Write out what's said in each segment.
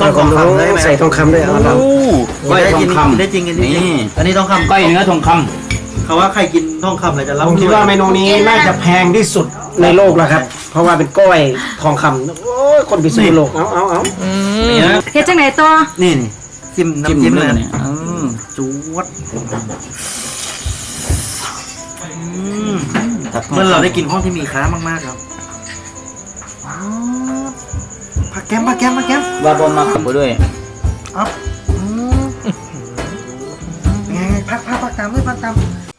ต้องทองคำได้ไหมใส่ทองคำด้วยเอาเราก้อยทองคำได้จริงอันนี้ทองคำก้อยเนื้อทองคำเขาว่าใครกินทองคำอะไรจะรับผมคิดว่าเมนูนี้น่าจะแพงที่สุดในโลกแล้วครับเพราะว่าเป็นก้อยทองคำโอ้ยคนพิศนุโลกเอาเฮ็ดจังไหนต่อนี่จิ้มน้ำจิ้มเลยเนี่ยจูดเมื่อเราได้กินห้องที่มีค้ามากๆครับผักแก้มวาบอมมาขับไปด้วยอ๊อฟไงพักตามด้วยพักตาม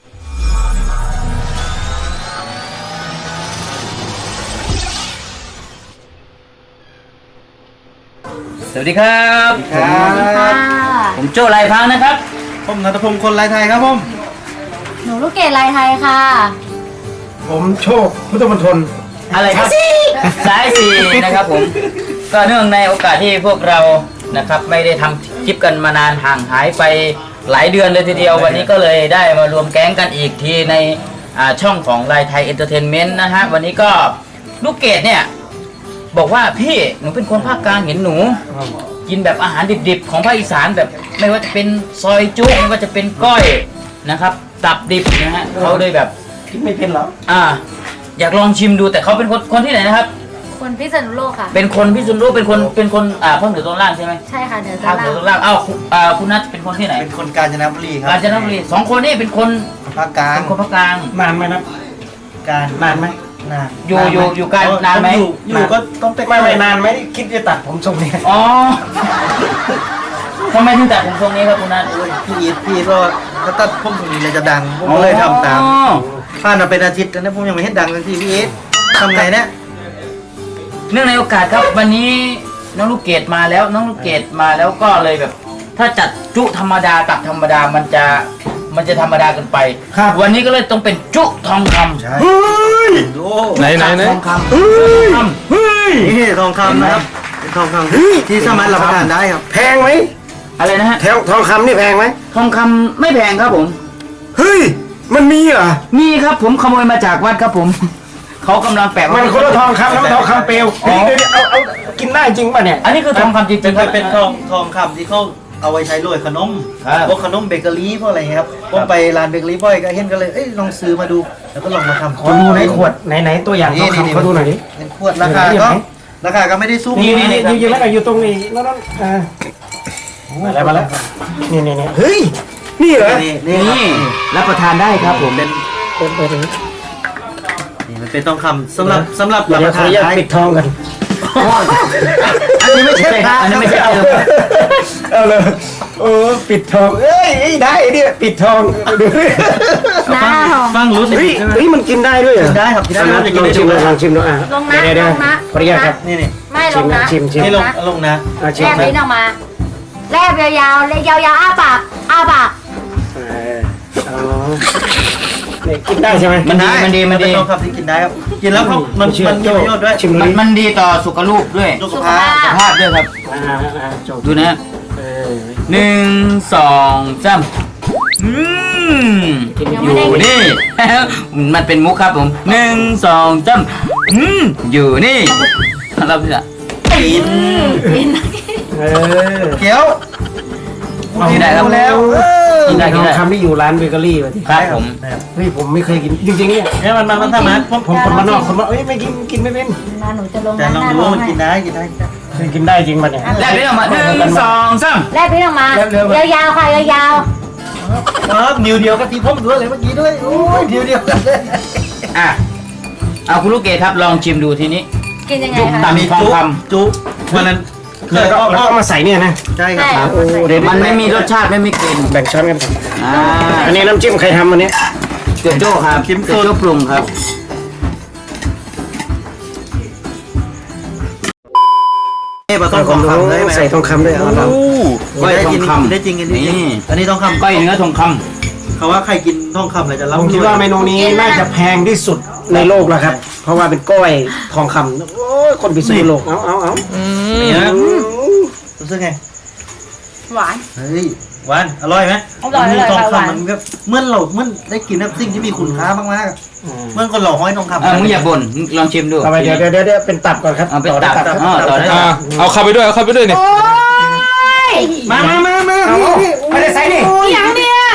สวัสดีครับผมโจ้ลายพังนะครับผมณัฐพงศ์คนลายไทยครับผมหนูลูกเกดลายไทยค่ะผมโชคพุทธมณฑลอะไรครับสายสี่นะครับผมก็เนื่องในโอกาสที่พวกเรานะครับไม่ได้ทำคลิปกันมานานห่างหายไปหลายเดือนเลยทีเดียววันนี้ก็เลยได้มารวมแก๊งกันอีกทีในช่องของลายไทยเอนเตอร์เทนเมนต์นะฮะวันนี้ก็ลูกเกดเนี่ยบอกว่าพี่หนูเป็นคนภาคกลางเห็นหนูกินแบบอาหารดิบๆของภาคอีสานแบบไม่ว่าจะเป็นซอยจุ๊ไม่ว่าจะเป็นก้อยนะครับตับดิบนะฮะเขาเลยแบบคิดไม่เป็นหรออยากลองชิมดูแต่เขาเป็นคนที่ไหนนะครับคนพิษณุโลกค่ะเป็นคนพิษณุโลกเป็นคนพ่อเหนือตรงล่างใช่ไหมใช่ค่ะเหนือตรงล่างคุณนัทเป็นคนที่ไหนเป็นคนกาญจนบุรีครับกาญจนบุรี2คนนี่เป็นคนภาคกลางเป็นคนภาคกลางนานไหมนะการนานไหมนานอยู่การนานไหมอยู่ก็ต้องไม่นานไหมคิดจะตัดผมทรงนี้อ๋อทำไมถึงตัดผมทรงนี้ครับคุณนัทพี่ก็ตัดผมทรงนี้เลยจะดังผมก็เลยทำตามผ่านมาเป็นอาทิตย์แล้วนะผมยังไม่เห็นดังเลยที่พี่เอสทำไงเนี่ยเนื่องในโอกาสครับวันนี้น้องลูกเกดมาแล้วก็เลยแบบถ้าจัดจุธรรมดาตักธรรมดามันจะธรรมดาเกินไปวันนี้ก็เลยต้องเป็นจุทองคำเฮ้ยไหนทองคำนี่ทองคำนะครับเป็นทองคำที่สามารถรับประทานได้ครับแพงไหมอะไรนะฮะทองคำนี่แพงไหมทองคำไม่แพงครับผมเฮ้ยมันมีเหรอมีครับผมขโมยมาจากวัดครับผมเขากำลังแปะมันคนละทองคำแล้วทองคำเปลวเอากินได้จริงป่ะเนี่ยอันนี้คือทองคำจริงๆเป็นทองคำที่เขาเอาไว้ใช้โรยขนมพวกขนมเบเกอรี่พวกอะไรครับผมไปร้านเบเกอรี่บ่อยก็เห็นก็เลยลองซื้อมาดูแล้วก็ลองมาทำขอดูในขวดไหนตัวอย่างทองคำเขาดูหน่อยดิเป็นขวดราคาก็ไม่ได้สู้นี่อยู่แล้วอยู่ตรงนี้นั่นอะไรมาแล้วนี่เฮ้ยนี่เหรอนี่รับประทานได้ครับผมเป็นนี่มันเป็นทองคำสำหรับรับประทานได้ปิดทองกันอันนี้ไม่ใช่อันนี้ไม่ใช่เอาเลยปิดทองได้เนี่ยปิดทองดูดิฟังรู้สึกมันกินได้ด้วยเหรอได้ครับกินได้ลองชิมดูลงนะขออนุญาตครับนี่ไม่ลงนะชิมลงนะแลบลิ้นออกมาแลบยาวๆเลยยาวๆอ้าปากกินได้ใช่ไหมมันดีทองคำที่กินได้ครับกินแล้วมันมีประโยชน์ด้วยมันดีต่อสุขภาพด้วยสุขภาพด้วยครับดูนะ1 2 3อยู่นี่มันเป็นมุกครับผม1 2 3อยู่นี่เราจะกินเขียวกินได้ครับแล้วกินได้ทำที่อยู่ร้านเบเกอรี่ครับผมผมไม่เคยกินจริงๆเนี่ยมันทำนะผมคนมานอกไม่กินไม่เป็นหนูจะลงแต่ลองดูว่ามันกินได้กินได้จริงป่ะเนี่ยแลบลิ้นออกมา1 2 3 แลบลิ้นออกมายาวๆค่ะยาวๆนิ้วเดียวกับที่ผมด้วยเลยเมื่อกี้ด้วยโอ้ยนิ้วเดียวกันเลยเอาคุณลูกเกดครับลองชิมดูทีนี้กินยังไงคะตามทองคำจุวันนั้นเราเอามาใส่เนี่ยนะใช่ครับมันไม่มีรสชาติไม่มีกลิ่นแบ่งช้อนกันอันนี้น้ำจิ้มใครทำวันนี้เกิดโจ้ครับเกิดโจ้ปรุงครับต้องทองคำได้ไหมใส่ทองคำด้วยเอาเราก้อยทองคำได้จริงอันนี้ทองคำก้อยเนื้อทองคำเขาว่าใครกินทองคำอะไรจะรับผมคิดว่าเมนูนี้น่าจะแพงที่สุดในโลกแล้วครับเพราะว่าเป็นก้อยทองคำโอ้ยคนพิศนุโลกเอาเนี่ยรู้สึกไงหวานเฮ้ยหวานอร่อยไหมมีทองคำมันก็เมื่อได้กินน้ำสิ่งที่มีคุณค่ามากๆเมื่อคนหล่อห้อยทองคำมึงอย่าบ่นลองชิมดูเดี๋ยวเป็นตับก่อนครับเป็นตับต่อได้เอาเข้าไปด้วยเนี่ยมาพี่ไม่ได้ใส่ดิอย่างเนี้ย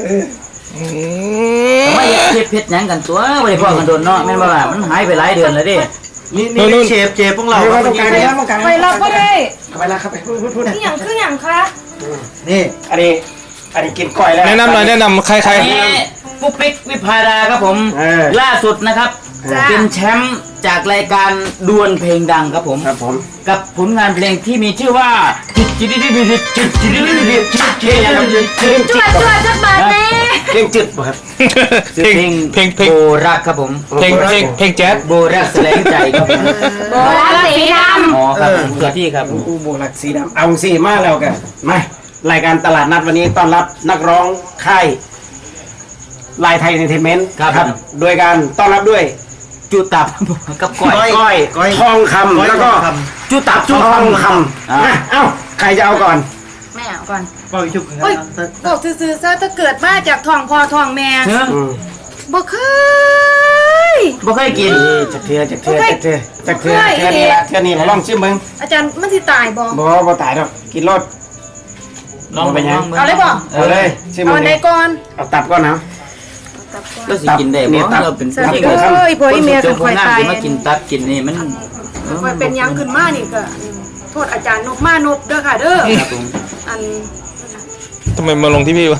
ไม่เพชรยังกันตัวไม่ได้พ่อกันโดนเนาะแม่นบ่ล่ะมันหายไปหลายเดือนแล้วดินี่เชฟพวกเราไปรับก็ได้ไปแล้วครับไปพูดคืออย่างคะนี่อันนี้กินก้อยแล้วแนะนำหน่อยแนะนำใครอันนี้ปุ๊กปิ๊กวิภาดาครับผมล่าสุดนะครับเป็นแชมป์จากรายการดวลเพลงดังครับผมครับผมกับผลงานเพลงที่มีชื่อว่าจิตจิตจิตจิตจิตจิตจิตจิตจิตจิตจวดจักบาทแม่เพลงจืดป่ะครับเพลงโบรักครับผมเพลงแจ๊สโบรักแสลงใจครับผมโบราณสีดอ๋อครับเกิดที่ครับอูโบลักสีดำเอาสีมาแล้วกันมารายการตลาดนัดวันนี้ต้อนรับนักร้องค่ายลายไทยเอนเตอร์เทนเมนต์ครับโดยการต้อนรับด้วยจุตับกับก้อยทองคำแล้วก็จุตับทองคำเอ้าใครจะเอาก่อนำไม่เอาก่อนป้าวิชุกโอ้ยบอกซื่อๆซะถ้าเกิดมาจากท้องพ่อท้องแม่บ่เคยบ่เคยกินจะเทือนี่ละเทือนี่เราลองชิมมึงอาจารย์มันสิตายบ่บ่ตายดอกกินรสลองไปยังเอาเลยบ่เอาเลยชิมมึเอางไหนก่อนเอาตับก่อนนะก็สิกินได้บ่เราเป็นสวัสดีครับเอ้ยพ่ออีเมียกันคอยตายมากินตับกินนี่มันคอยเป็นยังขึ้นมานี่ก็โทษอาจารย์นบมานบเด้อค่ะเด้อครับผมอันทำไมมาลงที่พี่วะ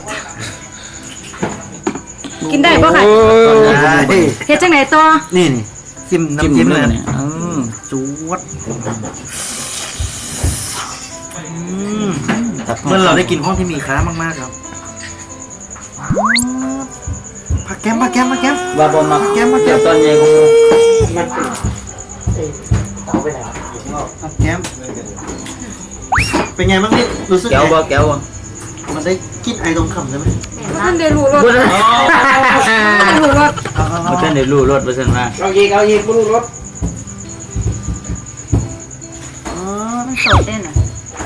กินได้บ่ค่ะเฮ็ดจังไหนต่อนี่จิ้มน้ำจิ้มเลยเนี่ยจวดเมื่เมื่ออเราเราได้ได้กิกินนห้องที่มีค้ามากๆครับผักแก้มว่าบ่มาเดี๋ยวตอนเย็นผักแก้มเป็นไงบ้างนี่รู้สึกแก้วไงบ่แก้วบ่มันได้กินไอตรงคำใช่ไหมท่านได้รู้รสท่านรู้รสบ่ทันได้รู้รสว่าซั่นว่าเอาอีกไม่รู้รสอ๋อมันสดเด้น่ะ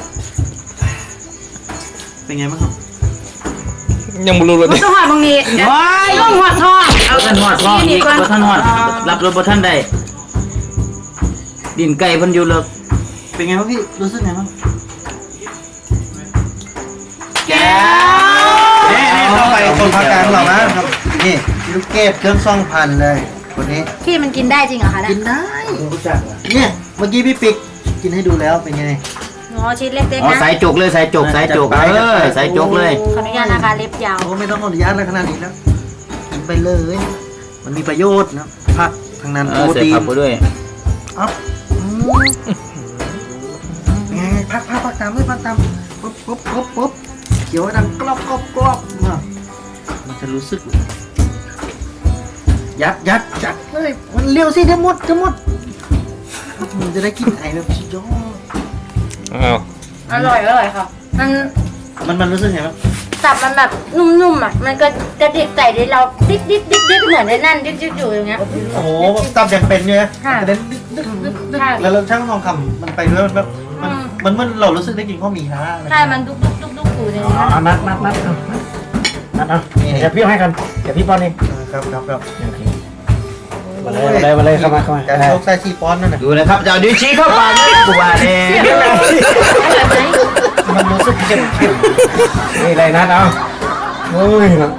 เป็นไงบ้างครับยังไม่รู้เลยบ่ต้องหอดบางนี้ลงหอดทองบ่ทันฮอดท้องอีกบ่ทันฮอดรับรสบ่ทันได้ดินไก่เพิ่นอยู่เลิกเป็นไงบ้างพี่รู้สึกไงบ้างแก้วนี่เข้าไปคนภาคกลางเรานะครับนี่ลูกเกดเครื่องซ่องพันเลยคนนี้พี่มันกินได้จริงเหรอคะกินได้เนี่ยเมื่อกี้พี่ปิ๊กกินให้ดูแล้วเป็นไงอ๋อชิ้นเล็กอ๋อๆนะใส่จุกเลยใส่จุกใส่จุกใส่จุกเลยขออนุญาตนะคะเล็บยาวโอ้ไม่ต้องขออนุญาตอะไรขนาดนี้แล้วกินไปเลยมันมีประโยชน์นะผักทางนั้นโปรใส่ตีผันกไปด้วยอ๊อบไงผักตามเลยผักตามปุ๊บเขียวดังกรอบมันจะรู้สึกยัดจัดเลยมันเร็วสิจะหมดมันจะได้กินไอแบบสุดยอดอ้าวอร่อยค่ะมันรู้สึกไงบ้างตับมันแบบนุ่มๆอ่ะมันก็จะดิบไก่ที่เราดิ๊กเหมือนในนั่นดิ๊กอยู่อย่างเงี้ยโอ้โหตับยังเป็นเนี่ยค่ะกระเด็นใช่แล้วเราช่างทองคำมันไปด้วยมันแบบมันเรารู้สึกได้กินข้าวหมี่นะใช่มันดุ๊กอยู่ในนี้นัดเอาเดี๋ยวพี่ให้กันเดี๋ยวพี่ป้อนเองครับมาเลยเข้ามาการโชคใส่ชีป้อนนั่นน่ะดูนะครับจะเอาดิชี้เข้าปากเลยกูว่าเนี่ยมันรู้สึกเค็มนี่เลยนัดเอาโอ้ยนะ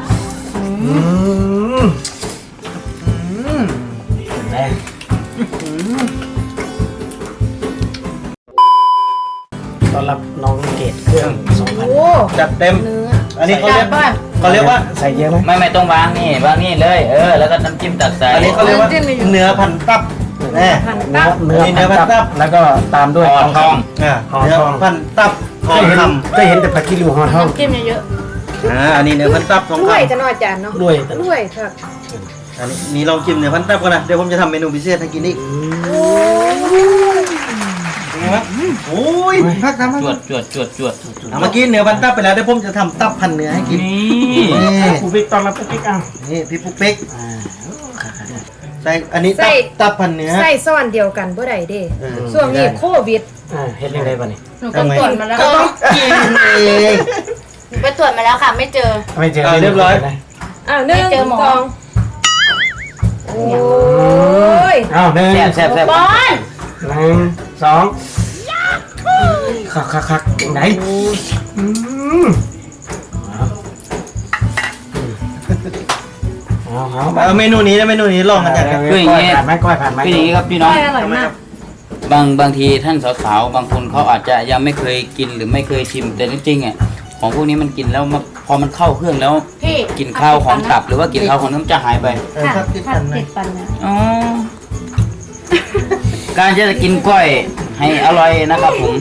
ต้อนรับน้องเกดเครื่อง2,000จัดเต็ม อันนี้เขาเรียกว่าใส่เยอะไหมไม่ต้องวางนี่เลยแล้วก็น้ำจิ้มตักใส่อันนี้เขาเรียกว่าเนื้อพันตับเนื้อพันตับแล้วก็ตามด้วยห่อทองเนื้อพันตับทองคำก็เห็นแต่ผักกิริวห่อทองจิ้มเยอะอันนี้เนื้อพันตับทองๆคำด้วยจะนอยจานเนาะด้วยด้วยค่ะอันนี้ลองชิมเนื้อพันตับก่อนนะเดี๋ยวผมจะทำเมนูพิเศษให้กินอีกเป็นไงวะโอ้ยพักทำจวดเมื่อกี้เนื้อพันตับไปแล้วเดี๋ยวผมจะทำตับพันเนื้อให้กินนี่ปุ๊กปิ๊กตอนรับปุ๊กปิ๊กอ่ะนี่พี่ปุ๊กปิ๊กใส่อันนี้ตับพันเนื้อใส่ซ่อนเดียวกันบ่ได้เด้ช่วงนี้โควิดเฮ็ดยังไงบ้านี่หนูก็ตรวจมาแล้วก็ต้องกินเองหนูไปตรวจมาแล้วค่ะไม่เจอไม่เจอเรียบร้อยอ้าว1 2โอ้ยอ้าวหนึ่งแซ่บบอล 1 2 คักไหนเอาเมนูนี้นะเมนูนี้ลองกันจากคืออย่างนี้ผ่านไหมก้อยผ่านไหมคืออย่างนี้ครับพี่น้องอร่อยมากบางทีท่านสาวๆบางคนเขาอาจจะยังไม่เคยกินหรือไม่เคยชิมแต่จริงๆอ่ะของพวกนี้มันกินแล้วพอมันเข้าเครื่องแล้วพี่กลิ่นข้าวของตับหรือว่ากลิ่นข้าวของน้ำจะหายไปผัดติดปันนะอ๋อ การจะกินกล้อยให้อร่อยนะครับผม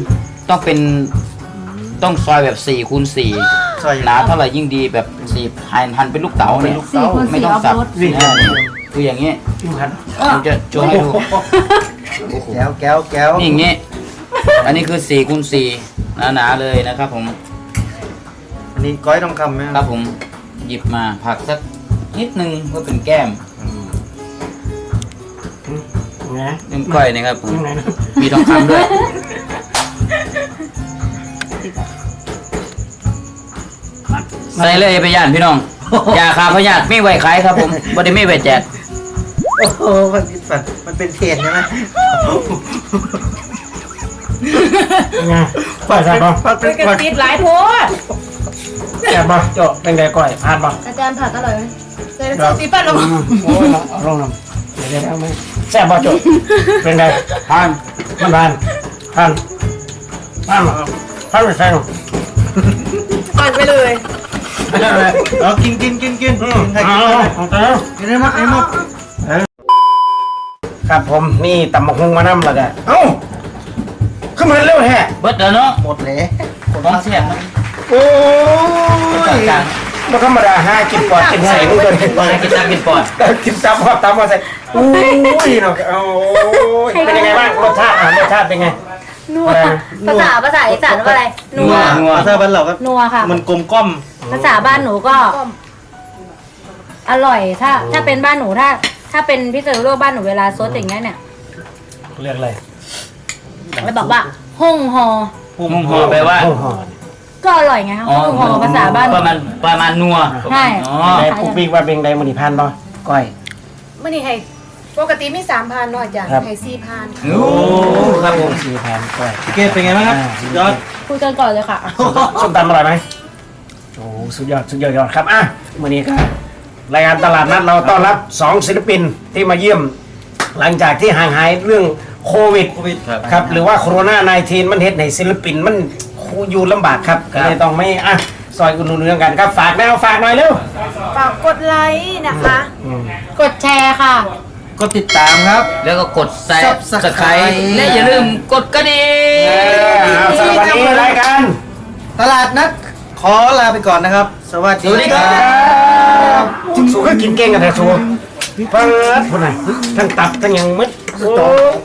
ต้องซอยแบบ4 คูณ 4 ซอยหนาเท่าไหร่ยิ่งดีแบบ4หั่นเป็นลูกเต๋าเนี่ย 4 คูณไม่ 4 ต้องออฟสับโรดคืออย่างนี้พันผมจะโชว์ให้ดูแก้วนี่อย่างนี้ อันนี้คือ4 คูณ 4 หนาๆเลยนะครับผมอันนี้ก้อยทองคำไหมครับผมหยิบมาผักสักนิดนึงเพื่อเป็นแก้มไงน้ำก้อยนะครับผมยังไงนะมีทองคำด้วย ใส่เลยไปย่านพี่น้อง ยาคาพยาธิไม่ไหวขายครับผมบ่ได้ไม่ไหวแจกโอ้โหมันเป็นเทรนใช่ไหมไงก้อยแซ่บบ่มันเป็นกระติดหลายโพดแซ่บบ่โจเป็นไงก้อยผ่านบ่อาจารย์ผัดอร่อยไหมใส่ซีปั้นลงโอ้ยเอาลงน้ำเดี๋ยวเอาไหมแซ่บบ่โจเป็นไงผ่านมันผ่านไปใส่ลงปั่นไปเลยเอากินใครเอากินเอากินได้มั้ยไอ้หมดครับผมนี่ตำบักหุ่งมานำแล้วก็เอ้าขึ้นมาเร็วแฮะเบิดเด้อเนาะหมดเลยต้องเสียบนะโอ้ยกลางบ่ธรรมดาหากินปอดกินไห้มึงตัวนี้ๆกินตับกินปอดกินตับฮอดตับมาใส่โอ้ยเนาะโอ้ยเป็นยังไงบ้างรสชาติเป็นไงนัวภาษาอีสานว่าอะไรนัวภาษาบ้านเราก็นัวค่ะมันกลมกล่อมภาษาบ้านหนูก็ อร่อยถ้าเป็นบ้านหนูถ้าเป็นพิเศษโลกบ้านหนูเวลาซดอย่างเงี้ยเนี่ยเรียกอะไรแล้วบอกว่าฮ่งฮอมุ่งหอแปลว่าห้องหอก็อร่อยไงคะฮ่งฮอภาษาบ้านหนูประมาณนัวใช่อ๋อได้ปุ๊กปิ๊กว่าเป็นไดมณีพันบ่ก้อยมื่อนี้ให้ปกติมี3,000เนาะอาจารย์ครับให้4,000 โอ้ครับผม 4,000ก้อยพี่เกดเป็นไงบ้างครับยอดคุยกันก่อนเลยค่ะส้มตำอร่อยไหมโอ้สุดยอดครับอ่ะวันนี้ก็รายการตลาดนัดเราต้อนรับ2ศิลปินที่มาเยี่ยม หลังจากที่ห่างหายเรื่องโควิด ครับหรือว่าโคโรนา19มันเฮ็ดให้ศิลปินมันอยู่ลำบากครับก็เลยต้องไม่อ่ะซอยอุดหนุนเรื่องกันครับฝากหน่อยเร็วฝากกดไลค์นะคะ กดแชร์ค่ะก็ติดตามครับแล้วก็กดแซ่บ Subscribe สไครและอย่าลืมกดกระดิ่งสำหรับวันนี้รายการตลาดนัดขอลาไปก่อนนะครับ สวัสดีครับสูก็กินเก่งกันแต่สูเปิดคนไหนทั้งตับทั้งยังมึดโอ้